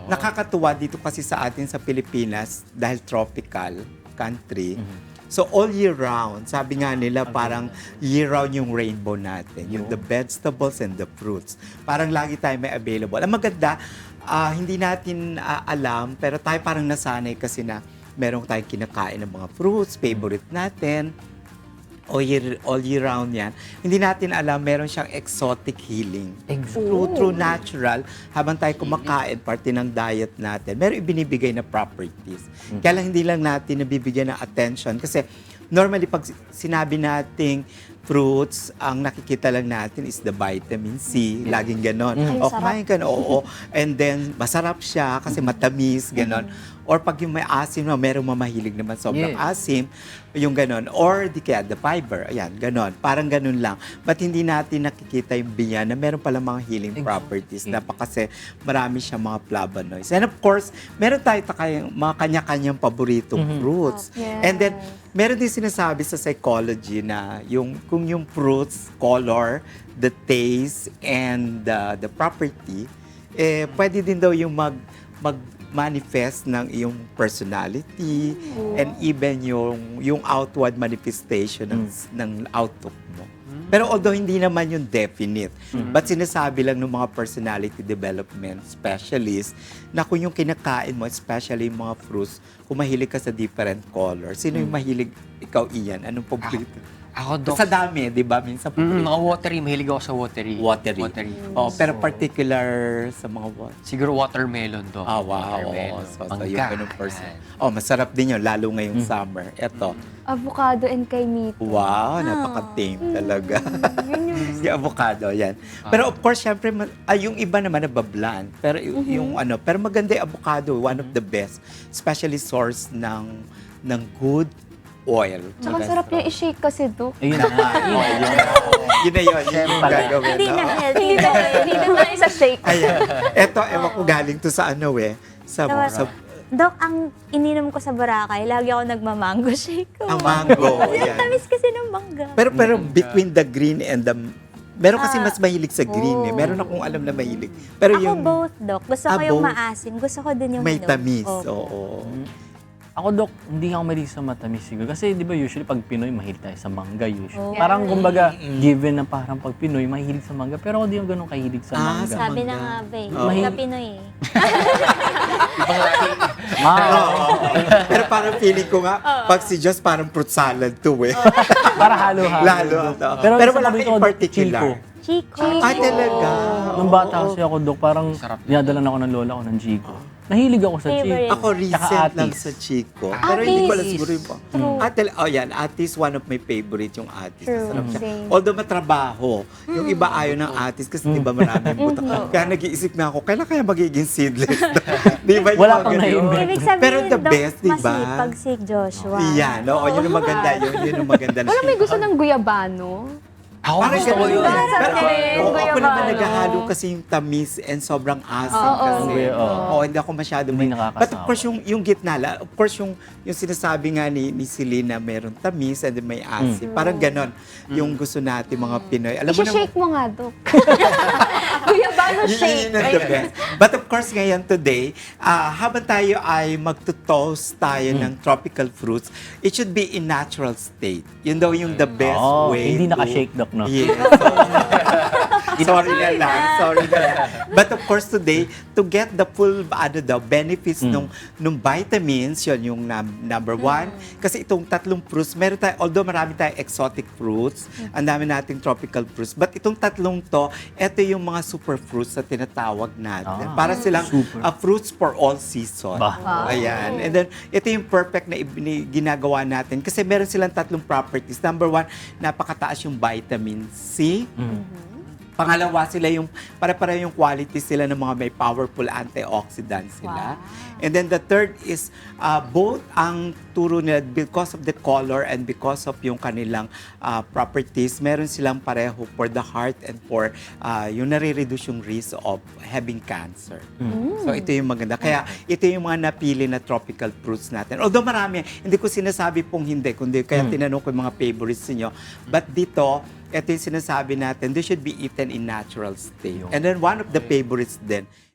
nakakatuwa dito kasi sa atin sa Pilipinas dahil tropical country. So all year round, sabi nga nila parang year round yung rainbow natin, yung the vegetables and the fruits. Parang lagi tayo may available. Ang maganda, hindi natin alam pero tayo parang nasanay kasi na meron tayong kinakain ng mga fruits, favorite natin. All year round yan. Hindi natin alam, meron siyang exotic healing. True natural, habang tayo kumakain, parte ng diet natin, meron ibinibigay na properties. Kaya lang hindi lang natin nabibigyan ng attention. Kasi normally, pag sinabi nating fruits, ang nakikita lang natin is the vitamin C. Laging ganon. O kumain ka na, oo. And then, masarap siya kasi matamis, ganon. Or pag yung may asim na, merong mamahilig naman sobrang asim, yung ganon. Or di kaya the fiber, ayan, ganon. Parang ganon lang. But hindi natin nakikita yung binyan na meron pala mga healing properties na kasi marami siyang mga flavonoids. And of course, meron tayo mga kanya-kanyang paboritong fruits. And then, meron din sinasabi sa psychology na kung yung fruits, color, the taste, and the property, pwede din daw yung mag-manifest ng iyong personality and even yung outward manifestation ng outlook mo. Pero although hindi naman yung definite, but sinasabi lang ng mga personality development specialists na kung yung kinakain mo, especially yung mga fruits, kung mahilig ka sa different colors, sino yung mahilig, ikaw Ian, anong paborito? Ako, Doc. Sa dami, di ba? Minsan Mga watery. Mahilig ako sa watery. Watery. Oh, pero particular sa mga what? Siguro watermelon, Doc. Wow. Watermelon. So yung ganun person. Oh, masarap din yun, lalo ngayong summer. Eto. Avocado and kay Mito. Wow, napaka-tame talaga. Yung avocado, yan. Pero of course, syempre, yung iba naman nababland. Pero pero maganda yung avocado, one of the best. Especially source ng good oil. Tsaka sarap yung i-shake kasi, Dok. Ayun na nga. Yun na yun yung gagawin. Hindi na no? healthy. Hindi na isa shake. Ayan. Eto, ewan ko galing to sa ano sa Dok, ang ininom ko sa Boracay, lagi ako nagmamango shake ko. ang mango. Kasi ang Yan. tamis kasi ng mangga. Pero between the green and the meron kasi mas mahilig sa green eh. Meron akong alam na mahilig. Pero Ako yung both, Dok. Gusto ko yung both. maasim. Gusto ko din yung may hinog. tamis. Opo. Oo. Ako, Dok, hindi ako mahilig sa matamis siguro. Kasi di ba usually pag Pinoy, mahilig tayo sa mangga usually. Parang kumbaga, given na parang pag Pinoy, mahilig sa mangga. Pero ako di ako ganun kahilig sa mangga. sa Sabi mangga. na nga ba eh. Oo. Sa Pinoy eh. Oo. Pero parang feeling ko nga, pag si Diyos parang fruit salad to eh. Para halo-halo. Lalo. Pero wala isa ka in particular. Chico. Ay, talaga. Nung bata kasi ako, Dok, parang dinadala na ako ng lola ko ng Chico. Nahilig ako sa Chico. Favorite. Ako recent lang sa Chico. Pero hindi ko alam siguro yung yan, Atis, one of my favorite yung Atis. True. Masarap siya. Same. Although matrabaho, yung iba ayaw ng Atis kasi di ba maraming butak. Kaya nag-iisip na ako, kailan kaya magiging seedless? Di ba yung Wala mga pang ganun? na-invent. Ibig sabihin, Pero the Dok, best, di ba? masipag si Joshua. Iyan, oo, yun ang maganda. Yun ang maganda. Wala may gusto ng guyabano? Ako Parang gusto ko ganun. yun. Pero ako Guyabano. naman naghahalo kasi yung tamis and sobrang asim kasi. Oo, hindi ako masyado Hindi may. nakakasawa. But of course, yung gitna lang, of course, yung sinasabi nga ni Celine na meron tamis and then may asim. Parang ganon yung gusto natin mga Pinoy. Alam mo na, I-shake mo nga, Dok. Guyabano shake. yun ang the best. But of course, ngayon today, habang tayo ay magtutoast tayo ng tropical fruits, it should be in natural state. Yun daw yung the best way Hindi to- naka-shake, Dok, no? Yes. Sorry na lang. But of course today, to get the full benefits nung vitamins, yun yung number one. Kasi itong tatlong fruits, meron tayo, although marami tayong exotic fruits, ang dami nating tropical fruits, but itong tatlong to, ito yung mga super fruits na tinatawag natin. Para silang fruits for all season. Ayan. And then, ito yung perfect na ginagawa natin kasi meron silang tatlong properties. Number one, napakataas yung vitamin C. Pangalawa sila yung para-para yung quality sila ng mga may powerful antioxidants sila. And then the third is both ang turo nila because of the color and because of yung kanilang properties, meron silang pareho for the heart and for yung nare-reduce yung risk of having cancer. So ito yung maganda. Kaya ito yung mga napili na tropical fruits natin. Although marami, hindi ko sinasabi pong hindi, kundi kaya tinanong ko yung mga favorites niyo. But dito, ito yung sinasabi natin, they should be eaten in natural state. And then one of the favorites din